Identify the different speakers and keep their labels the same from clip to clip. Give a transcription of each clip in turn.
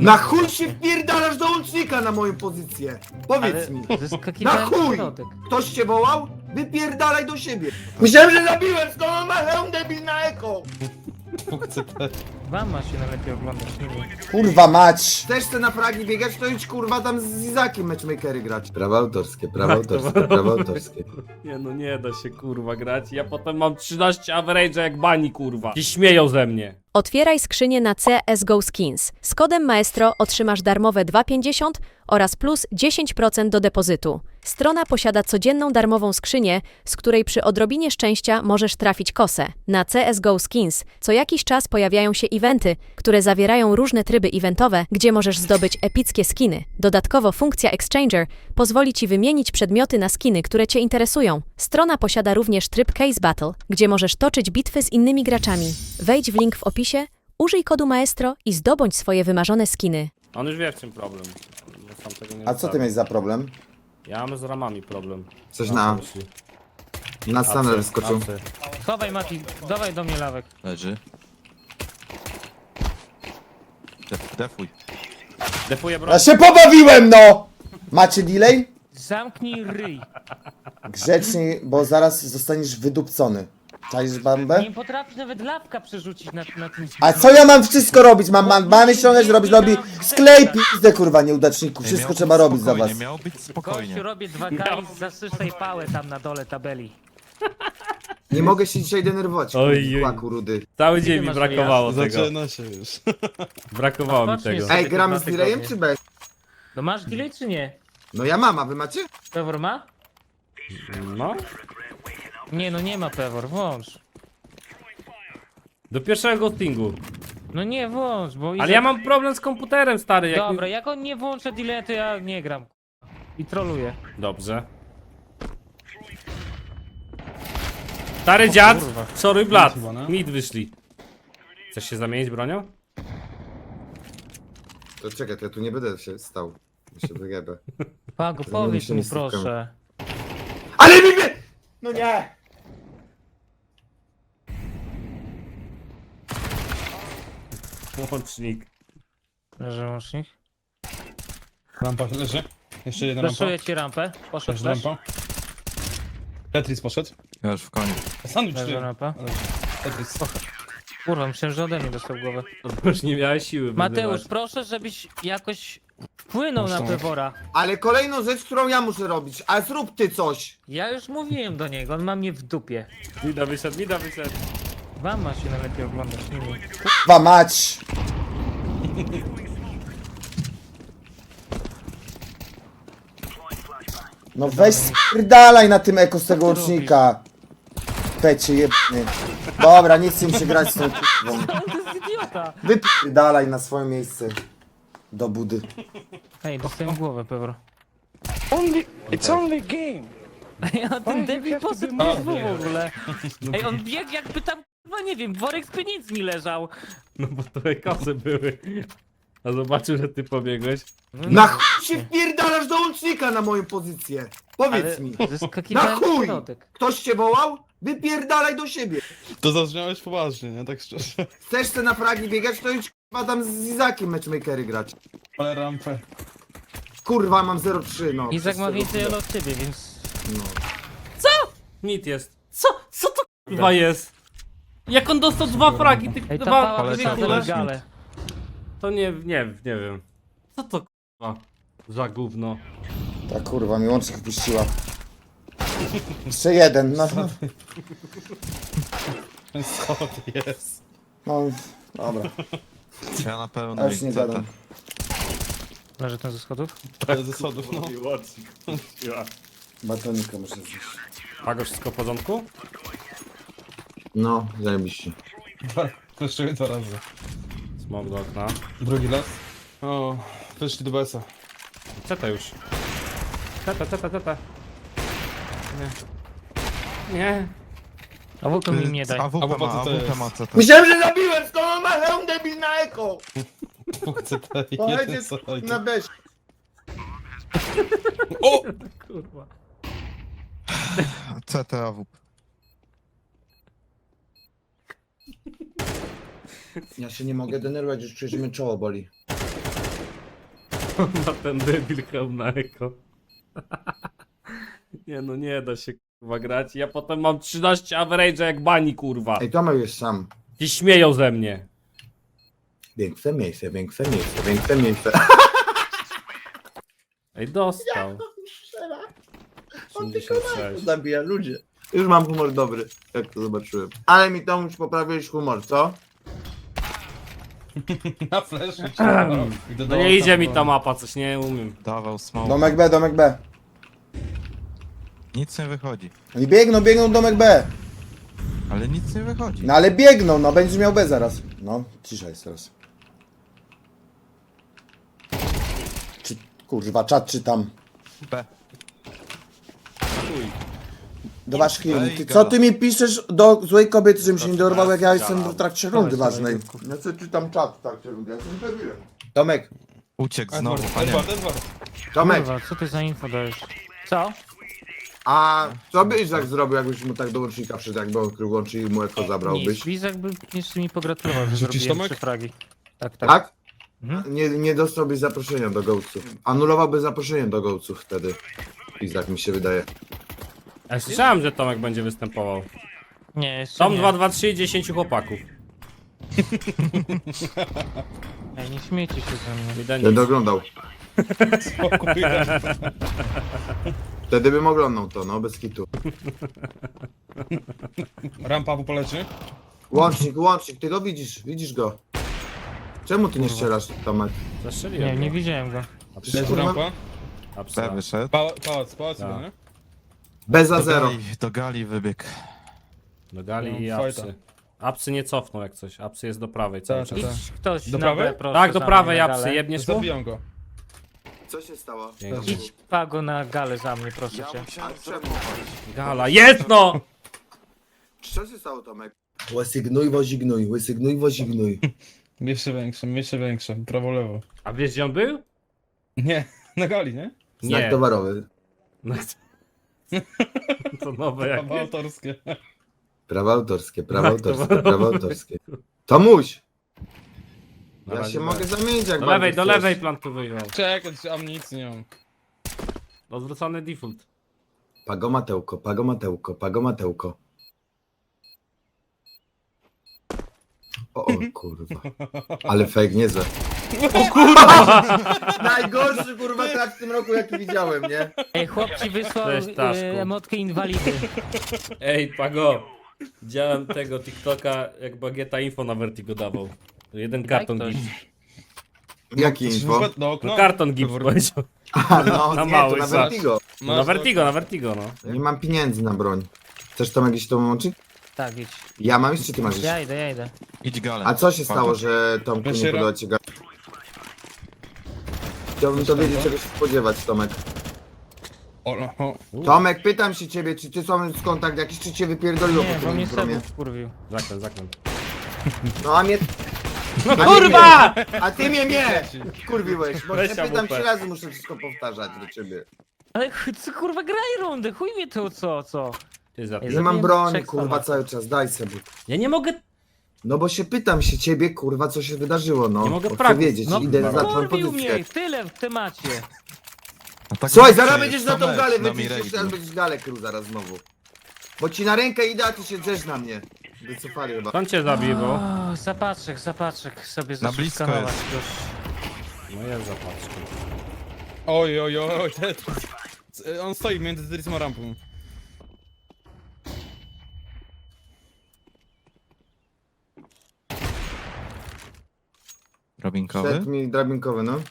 Speaker 1: Na chuj się wpierdalasz do łącznika na moją pozycję? Powiedz mi. Na
Speaker 2: Zeskakiwałem
Speaker 1: chuj!
Speaker 2: w środek.
Speaker 1: Ktoś cię wołał? Wypierdalaj do siebie. Myślałem, że zabiłem, skąd on ma hełm debil na eko?
Speaker 2: Wam ma się najlepiej oglądać, nie wiem.
Speaker 3: Kurwa mać!
Speaker 1: Chcesz te na fragi biegać, to idź kurwa tam z Izakiem matchmakery grać. Prawa autorskie, prawa autorskie, prawa autorskie.
Speaker 4: Nie no, nie da się kurwa grać. Ja potem mam 13 average'a jak bani kurwa. I śmieją ze mnie.
Speaker 5: Otwieraj skrzynię na CSGO Skins. Z kodem Maestro otrzymasz darmowe 2,50 oraz plus 10% do depozytu. Strona posiada codzienną darmową skrzynię, z której przy odrobinie szczęścia możesz trafić kosę. Na CSGO Skins co jakiś czas pojawiają się eventy, które zawierają różne tryby eventowe, gdzie możesz zdobyć epickie skiny. Dodatkowo funkcja Exchanger pozwoli Ci wymienić przedmioty na skiny, które Cię interesują. Strona posiada również tryb Case Battle, gdzie możesz toczyć bitwy z innymi graczami. Wejdź w link w opisie, użyj kodu Maestro i zdobądź swoje wymarzone skiny.
Speaker 4: On już wie w czym problem. Bo sam tego nie
Speaker 3: A co ty
Speaker 4: zostawię.
Speaker 3: miałeś za problem?
Speaker 4: Ja mam z ramami problem.
Speaker 1: Coś
Speaker 4: Mam
Speaker 1: na-
Speaker 4: myśli.
Speaker 1: Na stanę
Speaker 4: Apsy,
Speaker 1: wyskoczył.
Speaker 4: apsy.
Speaker 2: Chowaj Mati, dawaj do mnie lawek.
Speaker 6: Leży. Defuj.
Speaker 4: Defuję broń.
Speaker 3: Ja się pobawiłem, no! Macie delay?
Speaker 2: Zamknij ryj.
Speaker 3: Grzecznie, bo zaraz zostaniesz wydupcony. Czaisz bambę?
Speaker 2: Nie potrafisz nawet lawka przerzucić na tym.
Speaker 3: A co ja mam wszystko robić? Mamy ściągać, robić lobby. Sklej pizdę, kurwa, nieudaczniku. Wszystko trzeba robić za was.
Speaker 6: Miało być spokojnie.
Speaker 2: Gościu, robię 2K i zasyszaj pałę tam na dole tabeli.
Speaker 1: Nie mogę się dzisiaj denerwować,
Speaker 4: Oj, oj.
Speaker 1: kłaku rudy.
Speaker 4: Cały dzień
Speaker 2: Ty
Speaker 4: mi
Speaker 2: masz
Speaker 4: brakowało tego.
Speaker 7: Zaczyna się już.
Speaker 4: Brakowało mi
Speaker 2: Odpocznij
Speaker 4: tego.
Speaker 2: sobie.
Speaker 1: Ej, gramy z
Speaker 2: Dwa
Speaker 1: delayem
Speaker 2: tygodnie.
Speaker 1: czy bez?
Speaker 2: No masz delay czy nie?
Speaker 1: No ja mam, a wy macie?
Speaker 2: Pewor ma?
Speaker 4: No.
Speaker 2: Nie, no nie ma Pewor, włącz.
Speaker 4: Do pierwszego ghostingu.
Speaker 2: No nie włącz, bo...
Speaker 4: Ale ja mam problem z komputerem, stary. Jak
Speaker 2: Dobra,
Speaker 4: mi...
Speaker 2: jak on nie włączy delay, to ja nie gram. I troluję.
Speaker 4: Dobrze. Stary dziad,
Speaker 2: kurwa.
Speaker 4: sorry blat.
Speaker 7: chyba, no.
Speaker 4: Mid wyszli. Chcesz się zamienić bronią?
Speaker 1: To czekaj, to ja tu nie będę się stał. Ja się wyjebę.
Speaker 2: Pago,
Speaker 1: To
Speaker 2: powiedz
Speaker 1: nie
Speaker 2: mu
Speaker 1: stykamy.
Speaker 2: proszę.
Speaker 1: Ale mi mnie! No nie!
Speaker 4: Łącznik.
Speaker 2: Leży łącznik.
Speaker 7: Rampa leży. Jeszcze jedna rampa.
Speaker 2: Flaszuję ci rampę. Poszedł
Speaker 7: Leży
Speaker 2: flash.
Speaker 7: rampa. Tetris poszedł.
Speaker 6: Ja już w koniu.
Speaker 7: Sandwich
Speaker 2: Leży
Speaker 7: ty.
Speaker 2: rampa.
Speaker 7: Ale Tetris.
Speaker 2: Kurwa, myślałem, że ode mnie dostał głowę.
Speaker 4: Już nie miałeś siły
Speaker 2: Mateusz,
Speaker 4: wyzywać.
Speaker 2: proszę, żebyś jakoś wpłynął na Pewora.
Speaker 1: Ale kolejną rzecz, którą ja muszę robić, a zrób ty coś.
Speaker 2: Ja już mówiłem do niego, on ma mnie w dupie.
Speaker 4: Mida wyszedł, mida wyszedł.
Speaker 2: Wam ma się najlepiej oglądać, nie mi.
Speaker 3: Kurwa mać! No weź spierdalaj na tym eko z tego łącznika. Pecie jebny. Dobra, nie chcę mi się grać z tą kurwą.
Speaker 2: To jest idiota!
Speaker 3: Wypierdalaj na swoje miejsce. Do budy.
Speaker 2: Hej, dostałem głowę, Pewor.
Speaker 8: It's only game.
Speaker 2: Ej, a ten debil poszedł na dwóch w ogóle. Ej, on biegł jakby tam, no nie wiem, worek z pieniędzmi leżał.
Speaker 4: No bo trochę kasy były. A zobaczył, że ty pobiegłeś.
Speaker 1: Na chuj się wpierdalasz do łącznika na moją pozycję. Powiedz mi. Na
Speaker 2: Zeskakiwałem w
Speaker 1: chuj!
Speaker 2: środek.
Speaker 1: Ktoś cię wołał? Wypierdalaj do siebie.
Speaker 7: To zabrzmiałeś poważnie, nie? Tak szczerze.
Speaker 1: Chcesz te na fragi biegać, to idź kurwa tam z Izakiem matchmakery grać.
Speaker 7: Ale rampę.
Speaker 1: Kurwa, mam 0,3 no.
Speaker 2: Izak ma
Speaker 1: Przez
Speaker 2: więcej
Speaker 1: tego
Speaker 2: elo od ciebie, więc...
Speaker 1: No.
Speaker 4: Mit jest. Co to kurwa jest? Jak on dostał dwa fragi, tych
Speaker 2: Ej, ta
Speaker 4: dwa
Speaker 2: pała
Speaker 6: ale
Speaker 4: dwie
Speaker 2: wyszła
Speaker 4: kule?
Speaker 2: na galę.
Speaker 4: To nie wiem. Co to kurwa? Za gówno.
Speaker 3: Ta kurwa mi łącznik puściła. Jeszcze jeden, no.
Speaker 7: Co to jest?
Speaker 3: No, dobra,
Speaker 6: Ja na pewno
Speaker 3: ja już nie gadam.
Speaker 2: Leży ten ze schodów?
Speaker 7: Ze schodów, no.
Speaker 3: Batonika muszę zjeść.
Speaker 4: Pago, wszystko w porządku?
Speaker 1: No, zajebiście.
Speaker 7: Kleszczyły 2 razy.
Speaker 4: Smok do okna.
Speaker 7: Drugi raz. O, wyszli do BS-a.
Speaker 4: Ceta już. Ceta. Nie.
Speaker 2: A włóko mi nie daj.
Speaker 6: AWP ma,
Speaker 7: to
Speaker 6: AWP
Speaker 7: jest.
Speaker 6: ma CT.
Speaker 1: Myślałem, że zabiłem, skąd on ma hełm debil na eko?
Speaker 7: Dwóch CT i
Speaker 1: Pojedzie
Speaker 7: jeden side.
Speaker 1: na beś.
Speaker 7: O!
Speaker 4: Kurwa.
Speaker 6: CT AWP.
Speaker 1: Ja się nie mogę denerwować, już czuję, że mnie czoło boli.
Speaker 4: Ma ten debil hełm na eko. Nie no, nie da się kurwa grać. Ja potem mam 13 average'a jak bani kurwa.
Speaker 1: Ej, Tomek jest sam.
Speaker 4: I śmieją ze mnie.
Speaker 1: Większe miejsce, większe miejsce, większe miejsce.
Speaker 4: Ej, dostał. 86.
Speaker 1: Zabija ludzie. Już mam humor dobry, jak to zobaczyłem. Ale mi to już poprawiłeś humor, co?
Speaker 7: Na flash.
Speaker 4: No nie idzie mi ta mapa, coś nie umiem.
Speaker 6: Dawał smoke.
Speaker 3: Domek B, domek B.
Speaker 6: Nic nie wychodzi.
Speaker 3: Oni biegną domek B.
Speaker 6: Ale nic nie wychodzi.
Speaker 3: No ale biegną, no będziesz miał B zaraz. No, cisza jest teraz. Czy, kurwa, czat czytam.
Speaker 6: B.
Speaker 3: Do waszych
Speaker 6: Ej,
Speaker 3: Ty, co
Speaker 6: gada.
Speaker 3: ty mi piszesz do złej kobiety, żebym się nie dorwał, jak ja jestem w trakcie rundy ważnej? Ja sobie czytam czat w trakcie rundy, ja jestem pewien.
Speaker 1: Tomek,
Speaker 6: Uciekł znowu,
Speaker 7: Edward,
Speaker 6: panie.
Speaker 7: Edward.
Speaker 1: Tomek,
Speaker 2: Kurwa, co ty za info dajesz? Co?
Speaker 1: a co byś tak zrobił, jakbyś mu tak do łącznika wszedł, jakby on krył łącznik i mu eko zabrałbyś?
Speaker 2: Nic, Bizak by jeszcze mi pogratulował, że
Speaker 7: Rzucisz,
Speaker 2: zrobiłem
Speaker 7: Tomek?
Speaker 2: 3 fragi. Tak, tak.
Speaker 1: Tak?
Speaker 2: Mhm.
Speaker 1: Nie dostałbyś zaproszenia do gołców. Anulowałby zaproszenie do gołców wtedy. I tak mi się wydaje.
Speaker 4: Ja słyszałem, że Tomek będzie występował.
Speaker 2: Nie, jeszcze
Speaker 4: Tom
Speaker 2: nie.
Speaker 4: 2, 2, 3 i 10 chłopaków.
Speaker 2: Ej, nie śmiejcie się ze mnie.
Speaker 4: Widać.
Speaker 1: Będę oglądał.
Speaker 7: Spokój.
Speaker 1: Wtedy bym oglądał to, no, bez kitu.
Speaker 7: Rampa po polecie.
Speaker 1: Łącznik, ty go widzisz go. Czemu ty nie strzelasz, Tomek?
Speaker 4: Zastrzeliłem.
Speaker 2: Nie,
Speaker 4: go.
Speaker 2: nie widziałem go.
Speaker 1: Przecież
Speaker 7: Leży
Speaker 1: kurwa,
Speaker 7: rampa.
Speaker 6: B
Speaker 4: Absa.
Speaker 6: wyszedł.
Speaker 7: Pałac,
Speaker 4: Tak.
Speaker 7: chyba, nie?
Speaker 1: bez za zero.
Speaker 6: Do gali wybiegł.
Speaker 4: Do gali i
Speaker 7: No, fajta.
Speaker 4: apsy. Apsy nie cofną jak coś. Apsy jest do prawej cały
Speaker 7: Tak,
Speaker 4: czas.
Speaker 7: tak.
Speaker 2: Idź ktoś
Speaker 7: Do
Speaker 2: na
Speaker 7: prawej?
Speaker 2: B, proszę.
Speaker 4: Tak, do
Speaker 2: za
Speaker 4: prawej
Speaker 2: mnie na
Speaker 4: apsy.
Speaker 2: galę.
Speaker 4: Jebniesz mu?
Speaker 7: Zabiją go.
Speaker 1: Co się stało?
Speaker 4: Dzięki.
Speaker 2: Idź Pago na galę za mnie, proszę cię.
Speaker 1: A czemu?
Speaker 4: Gala, jest no!
Speaker 1: Co się stało, Tomek? Łysygnuj, wozignuj.
Speaker 7: Jeszcze większe. Prawo, lewo.
Speaker 4: A wiesz gdzie on był?
Speaker 7: Nie, na gali, nie?
Speaker 1: Znak
Speaker 4: Nie.
Speaker 1: towarowy.
Speaker 4: No, to nowe jak.
Speaker 7: Prawo autorskie.
Speaker 1: Prawa autorskie,
Speaker 4: towarowy.
Speaker 1: prawa autorskie. Tomuś!
Speaker 4: Na
Speaker 1: Ja
Speaker 4: razie
Speaker 1: się
Speaker 4: tak.
Speaker 1: mogę zamienić jak
Speaker 4: Do
Speaker 1: bardzo
Speaker 4: lewej, do
Speaker 1: chcesz.
Speaker 4: lewej plan tu wyjął.
Speaker 7: Czekaj, amunicji nie mam.
Speaker 4: Odwrócony default.
Speaker 1: Pagomatełko. O kurwa. Ale fake niezłe. O kurwa! Najgorszy kurwa traf w tym roku jaki widziałem, nie?
Speaker 2: Ej, chłop ci wysłał
Speaker 4: Cześć, Taszku.
Speaker 2: emotkę inwalidy.
Speaker 4: Ej, Pago. Widziałem tego TikToka, jak Bagieta info na Vertigo dawał. Jeden karton
Speaker 2: ktoś.
Speaker 4: gift.
Speaker 1: Jakie info?
Speaker 7: No,
Speaker 4: No
Speaker 7: okno.
Speaker 4: karton gift powiedział.
Speaker 1: A, no,
Speaker 4: Na
Speaker 1: nie,
Speaker 4: mały
Speaker 1: to na
Speaker 4: za-
Speaker 1: Vertigo.
Speaker 4: Na Vertigo, no.
Speaker 1: Nie mam pieniędzy na broń. Chcesz to jakiś to łączyć?
Speaker 2: Tak, idź.
Speaker 1: Ja mam iść, czy ty masz iść?
Speaker 2: Ja idę.
Speaker 6: Idź galę.
Speaker 1: A co się
Speaker 6: Pago.
Speaker 1: stało, że Tomku nie
Speaker 7: Weszera?
Speaker 1: podoba ci ga... Chciałbym to wiedzieć, czego się spodziewać, Tomek.
Speaker 7: O.
Speaker 1: Tomek, pytam się ciebie, czy ty są z kontakt jakiś, czy cię wypierdoliło
Speaker 2: Nie,
Speaker 1: po
Speaker 2: bo
Speaker 1: tym
Speaker 2: mnie
Speaker 1: promie?
Speaker 2: Sebów wkurwił.
Speaker 4: Zakręt.
Speaker 1: No a mnie...
Speaker 4: No
Speaker 1: A nie
Speaker 4: kurwa!
Speaker 1: A ty mnie kurwiłeś, bo
Speaker 4: Weź
Speaker 1: cię pytam
Speaker 4: AWP.
Speaker 1: 3 razy, muszę wszystko powtarzać do ciebie.
Speaker 2: Ale co kurwa graj rundę, chuj mnie to co?
Speaker 4: Ty za-
Speaker 2: Ej,
Speaker 1: Nie
Speaker 2: Zabiłem
Speaker 1: mam broni,
Speaker 2: trzech
Speaker 1: kurwa,
Speaker 2: Tomek.
Speaker 1: cały czas, daj sobie.
Speaker 4: Ja nie mogę.
Speaker 1: No bo się pytam się ciebie, kurwa, co się wydarzyło, no.
Speaker 4: Nie mogę
Speaker 1: Bo chcę
Speaker 4: pragnąć.
Speaker 1: wiedzieć,
Speaker 4: No,
Speaker 1: idę za twoją
Speaker 2: Kurwił
Speaker 1: pozycję.
Speaker 2: mnie, tyle w temacie.
Speaker 6: No tak
Speaker 1: Słuchaj,
Speaker 6: zawsze
Speaker 1: zaraz
Speaker 6: jest,
Speaker 1: będziesz na tą
Speaker 6: Tomek,
Speaker 1: galę,
Speaker 6: na
Speaker 1: będziesz
Speaker 6: Mirage.
Speaker 1: jeszcze raz będziesz galę krył zaraz znowu. Bo ci na rękę idę, a ty się drzesz na mnie. Wycofali chyba.
Speaker 4: On cię zabił, bo.
Speaker 2: O, zapatrzek sobie
Speaker 6: Na blisko
Speaker 2: zaszukanować
Speaker 6: jest.
Speaker 2: już.
Speaker 4: No jest zapatrzki.
Speaker 7: Oj. On stoi między Drysem a rampą.
Speaker 6: Drabinkowy?
Speaker 1: Set mi drabinkowy, no.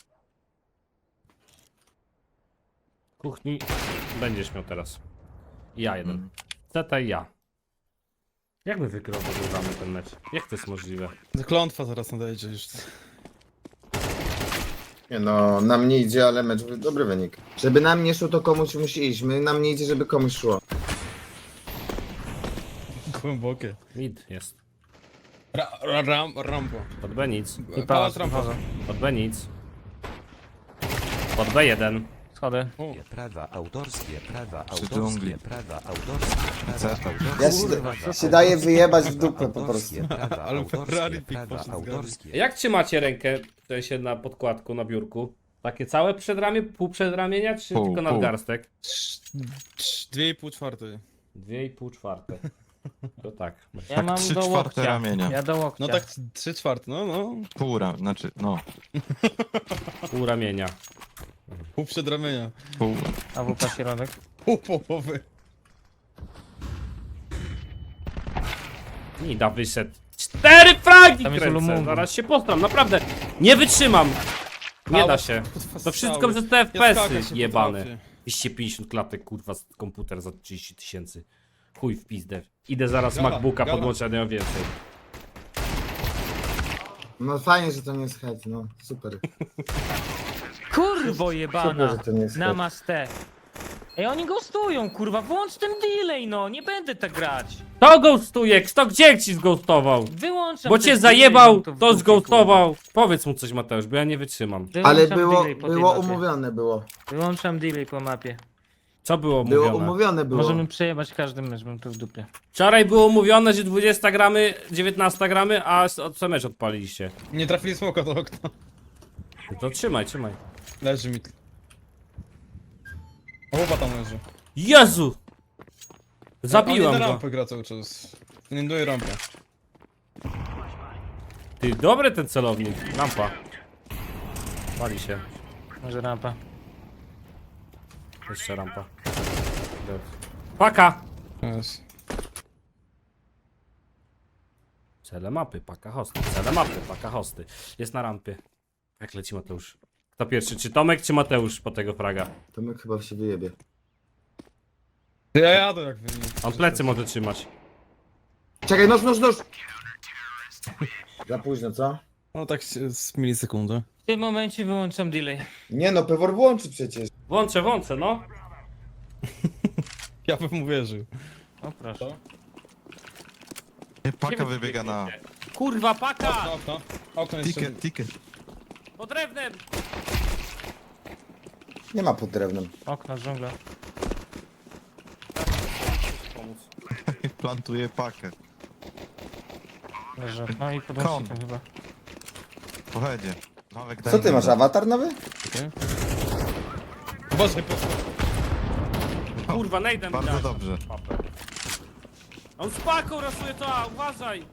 Speaker 4: Kuchni będziesz miał teraz. Ja jeden.
Speaker 6: Mm.
Speaker 4: Zeta i ja. Jak my wygramy ten mecz? Jak to jest możliwe?
Speaker 7: Klątwa zaraz nadejdzie już.
Speaker 1: Nie no, nam nie idzie, ale mecz dobry wynik. Żeby nam nie szło, to komuś musi iść. Nam nie idzie, żeby komuś szło.
Speaker 7: Głębokie.
Speaker 4: Mid jest.
Speaker 7: Rampa.
Speaker 4: Pod B nic.
Speaker 7: Pałac rampa.
Speaker 4: Pod B nic. Pod B1.
Speaker 2: Schody.
Speaker 9: Prawa autorskie,
Speaker 6: Przy dżungli.
Speaker 9: prawa autorskie,
Speaker 6: Zeta.
Speaker 3: Ja się daję wyjebać w dupę po prostu.
Speaker 9: prawa
Speaker 7: Ale Ferrari
Speaker 9: autorskie,
Speaker 7: pik
Speaker 9: prawa
Speaker 7: poszedł z garści.
Speaker 9: autorskie.
Speaker 4: Jak trzymacie rękę w sensie na podkładku, na biurku? Takie całe przedramię, pół przedramienia, czy
Speaker 6: Pół,
Speaker 4: tylko
Speaker 6: pół.
Speaker 4: nadgarstek?
Speaker 7: 2,5/4.
Speaker 4: 2,5/4. To tak.
Speaker 2: Ja
Speaker 6: Tak
Speaker 2: mam
Speaker 6: 3/4
Speaker 2: do łokcia.
Speaker 6: ramienia.
Speaker 2: Ja do łokcia.
Speaker 7: No tak 3/4, no.
Speaker 6: Znaczy, no,
Speaker 4: Pół ramienia.
Speaker 7: Pół przedramienia.
Speaker 6: pół.
Speaker 2: A wupa środek.
Speaker 7: Pół połowy.
Speaker 4: Nida wyszedł. 4 fragi
Speaker 2: Tam jest
Speaker 4: kręcę.
Speaker 2: Ulumumbu.
Speaker 4: Zaraz się postram, naprawdę. Nie wytrzymam. Nie da
Speaker 7: Ała,
Speaker 4: się.
Speaker 7: kurwa,
Speaker 4: To wszystko
Speaker 7: strzały.
Speaker 4: przez te
Speaker 7: Ja skakać
Speaker 4: FPS-y
Speaker 7: nie
Speaker 4: jebane.
Speaker 7: potrafię.
Speaker 4: 250 klatek, kurwa, z komputer za 30 000. Chuj w pizdę. Idę zaraz
Speaker 7: Gala,
Speaker 4: MacBooka
Speaker 7: gala.
Speaker 4: podłączę, nie mam więcej.
Speaker 1: No fajnie, że to nie jest hejt, no super.
Speaker 2: Kurwo
Speaker 1: Super,
Speaker 2: jebana.
Speaker 1: że to nie jest hejt.
Speaker 2: Namaste. Ej, oni ghostują, kurwa, włącz ten delay, no, nie będę tak grać.
Speaker 4: To ghostuje, kto gdzie ci zghostował?
Speaker 2: Wyłączam
Speaker 4: Bo
Speaker 2: ten
Speaker 4: cię
Speaker 2: delay,
Speaker 4: zajebał,
Speaker 2: mam w
Speaker 4: to
Speaker 2: dupie,
Speaker 4: zghostował. Powiedz mu coś, Mateusz, bo ja nie wytrzymam.
Speaker 2: kurwa.
Speaker 1: Ale
Speaker 2: Wyłączam
Speaker 1: było,
Speaker 2: delay po tej
Speaker 1: było
Speaker 2: mapie.
Speaker 1: umówione, było.
Speaker 2: Wyłączam delay po mapie.
Speaker 4: Co było
Speaker 1: Było
Speaker 4: mówione?
Speaker 1: umówione, było.
Speaker 2: Możemy przejebać każdy mecz, mam to w dupie.
Speaker 4: Wczoraj było mówione, że 20 gramy, 19 gramy, a co mecz odpaliliście.
Speaker 7: Nie trafili smoka do okna.
Speaker 4: No to trzymaj.
Speaker 7: Leży mi. Chłopa tam leży.
Speaker 4: Jezu!
Speaker 7: On
Speaker 4: Zabiłem
Speaker 7: nie na
Speaker 4: go.
Speaker 7: rampę gra cały czas. Nie doje rampę.
Speaker 4: Ty, dobry ten celownik. Lampa. Pali się.
Speaker 2: Może rampa.
Speaker 4: Jeszcze rampa. Dead. Paka!
Speaker 7: Jest.
Speaker 4: Cele mapy, paka hosty. Cele mapy, paka hosty. Jest na rampie. Jak leci Mateusz? Kto pierwszy? Czy Tomek, czy Mateusz po tego fraga?
Speaker 1: Tomek chyba się wyjebie.
Speaker 7: Ja jadę jak wy.
Speaker 4: On plecy może trzymać.
Speaker 1: Czekaj, nóż! Za późno, co?
Speaker 7: No tak z milisekundy.
Speaker 2: W tym momencie wyłączam delay.
Speaker 1: Nie no, Pewor włączy przecież.
Speaker 4: Włączę, no.
Speaker 7: Ja bym uwierzył.
Speaker 2: O proszę.
Speaker 6: Paka wybiega na...
Speaker 4: Kurwa, paka!
Speaker 7: Okno. Okno jeszcze.
Speaker 6: Ticket.
Speaker 4: Pod drewnem!
Speaker 3: Nie ma pod drewnem.
Speaker 2: Okno, dżungla.
Speaker 6: Plantuje pakę.
Speaker 2: Leży. No i
Speaker 6: Kon.
Speaker 2: podłącznikiem chyba.
Speaker 6: Pochodzie. Nowek
Speaker 3: Co ty masz, awatar nowy?
Speaker 7: Uważaj, po
Speaker 4: Kurwa, nejdem
Speaker 6: Bardzo
Speaker 4: dać.
Speaker 6: dobrze.
Speaker 4: On z paką rasuje to, a uważaj!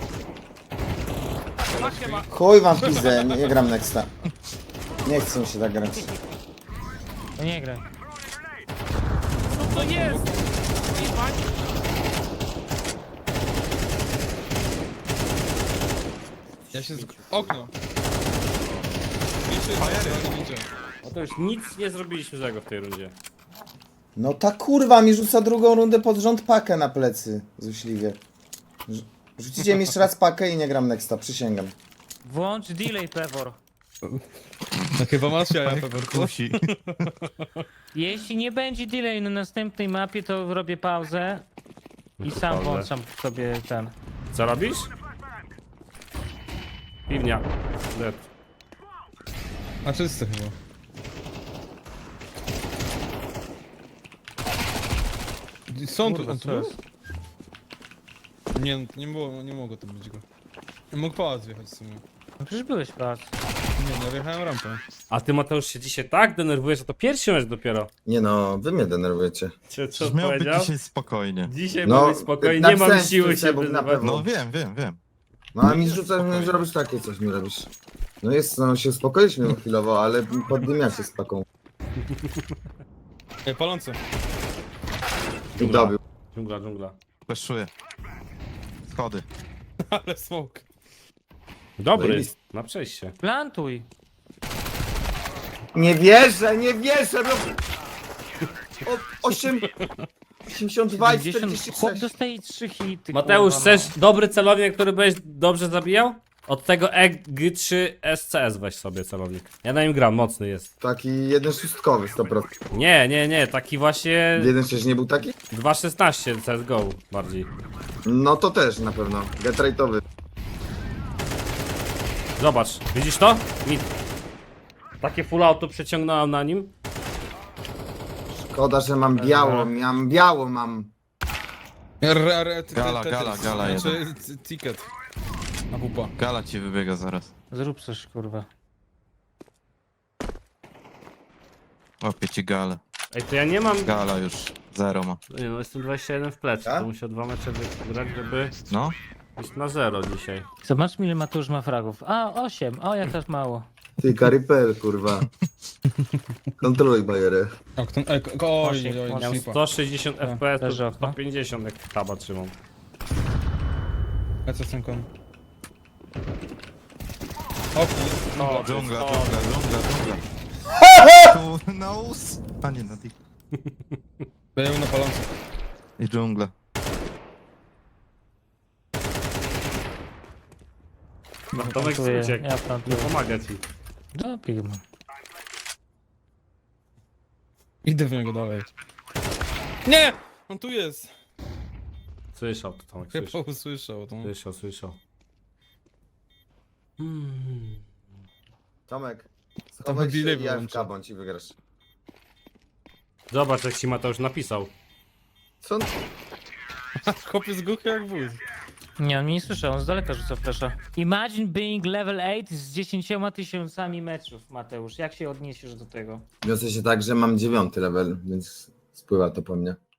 Speaker 4: Pakę ma.
Speaker 3: Chuj wam w pizdę, nie gram nexta. Nie chcę mi się tak grać.
Speaker 2: No nie graj.
Speaker 4: Co to jest? Jebać.
Speaker 7: Ja się okno. Jeszcze nie widzę.
Speaker 4: No to już nic nie zrobiliśmy złego w tej rundzie.
Speaker 3: No ta kurwa mi rzuca drugą rundę pod rząd pakę na plecy. Złośliwie. Rzucicie mi jeszcze raz pakę i nie gram nexta, przysięgam.
Speaker 2: Włącz delay, Pewor.
Speaker 7: No chyba masz ja pewnie.
Speaker 6: Kusi.
Speaker 2: Jeśli nie będzie delay na następnej mapie, to robię pauzę. I sam
Speaker 4: Pauzę.
Speaker 2: włączam sobie ten.
Speaker 4: Co robisz? Piwnia. Dead.
Speaker 7: A czysty chyba. Są tu,
Speaker 2: Kurwa,
Speaker 7: on tu
Speaker 2: co
Speaker 7: był?
Speaker 2: jest?
Speaker 7: Nie, nie mogło to być go. Mógł pałac wjechać w sumie.
Speaker 2: No przecież byłeś pas.
Speaker 7: Nie, ja wjechałem rampę.
Speaker 4: A ty, Mateusz, się dzisiaj tak denerwujesz, że to pierwszy mecz dopiero.
Speaker 1: Nie no, wy mnie denerwujecie.
Speaker 4: Co
Speaker 6: Przecież miał być
Speaker 4: powiedział?
Speaker 6: dzisiaj spokojnie.
Speaker 4: Dzisiaj
Speaker 1: No,
Speaker 4: no, być spokojnie, nie mam
Speaker 1: napisałem
Speaker 4: siły
Speaker 1: ci
Speaker 4: się
Speaker 1: Sebuk na
Speaker 4: wyzywać.
Speaker 1: pewno.
Speaker 6: No wiem.
Speaker 1: No a mi rzucasz, że robisz takie coś, mi robisz. No jest, no się uspokoiliśmy chwilowo, ale poddymiacie z paką.
Speaker 7: Ej, palący.
Speaker 1: I dobił.
Speaker 4: Dżungla.
Speaker 6: Fleszuję. Schody.
Speaker 7: Ale smoke.
Speaker 4: Dobry,
Speaker 1: Zajebisty.
Speaker 4: na przejście.
Speaker 2: Plantuj.
Speaker 1: Nie wierzę, no! 82 i
Speaker 2: 50. Chłop
Speaker 1: 46.
Speaker 2: dostaje 3 hity.
Speaker 4: Mateusz,
Speaker 2: kurwa, no.
Speaker 4: chcesz dobry celownik, który będziesz dobrze zabijał? Od tego EG3 SCS weź sobie celownik. Ja na nim gram, mocny jest.
Speaker 1: Taki jeden szóstkowy 100%.
Speaker 4: Nie, taki właśnie
Speaker 1: Jeden przecież nie był taki?
Speaker 4: 2.16 CSGO bardziej.
Speaker 1: No to też na pewno. Get rate'owy.
Speaker 4: Zobacz, widzisz to? Takie full auto przeciągnąłem na nim.
Speaker 1: Szkoda, że mam biało, mam.
Speaker 6: Gala
Speaker 7: Znaczy, ticket. A pupa.
Speaker 6: Gala ci wybiega zaraz.
Speaker 2: Zrób coś, kurwa.
Speaker 6: Łapię ci galę.
Speaker 4: Ej, to ja nie mam...
Speaker 6: Gala już 0 ma.
Speaker 4: Nie no, jestem 21 w plecy,
Speaker 3: Tak?
Speaker 4: to muszę 2 mecze wygrać, żeby
Speaker 6: No,
Speaker 4: iść na 0 dzisiaj.
Speaker 2: Zobacz, ile Mateusz ma fragów. A, 8. O, jak też mało.
Speaker 1: Ty, Karipel, kurwa. Kontroluj bajerę.
Speaker 7: Okno, oj,
Speaker 2: Osiem,
Speaker 7: oj,
Speaker 4: Miałem
Speaker 7: slipa.
Speaker 4: 160
Speaker 2: Tak,
Speaker 4: FPS,
Speaker 2: leży
Speaker 4: to
Speaker 2: okno.
Speaker 4: 150 jak taba trzymam.
Speaker 7: Lecę z tym kon. O kurwa.
Speaker 4: O,
Speaker 6: dżungla,
Speaker 4: o,
Speaker 6: dżungla, dżungla, dżungla. Tu, na us. A nie, na dik.
Speaker 7: Był na palący.
Speaker 6: I dżungla.
Speaker 4: Tomek
Speaker 2: Plantuję,
Speaker 4: uciekł.
Speaker 2: ja
Speaker 4: Nie
Speaker 2: plantuję.
Speaker 4: pomaga ci.
Speaker 2: No, pigma.
Speaker 7: Idę w niego dalej. Nie! On tu jest.
Speaker 4: Słyszał to Tomek,
Speaker 7: Chyba
Speaker 4: słyszał.
Speaker 7: usłyszał to.
Speaker 4: Słyszał.
Speaker 1: Tomek,
Speaker 7: To
Speaker 1: schowaj się
Speaker 7: delay
Speaker 1: i ja w
Speaker 7: wyłączę.
Speaker 1: kabądź i wygrasz.
Speaker 4: Zobacz jak ci Mateusz napisał.
Speaker 1: Co on...
Speaker 7: Chłopiec głuchy jak wóz.
Speaker 2: Nie, on mnie nie słyszał, on z daleka rzuca flesza. Imagine being level 8 z 10 000 meczów, Mateusz. Jak się odniesiesz do tego?
Speaker 1: Wiosę się tak, że mam 9 level, więc spływa to po mnie.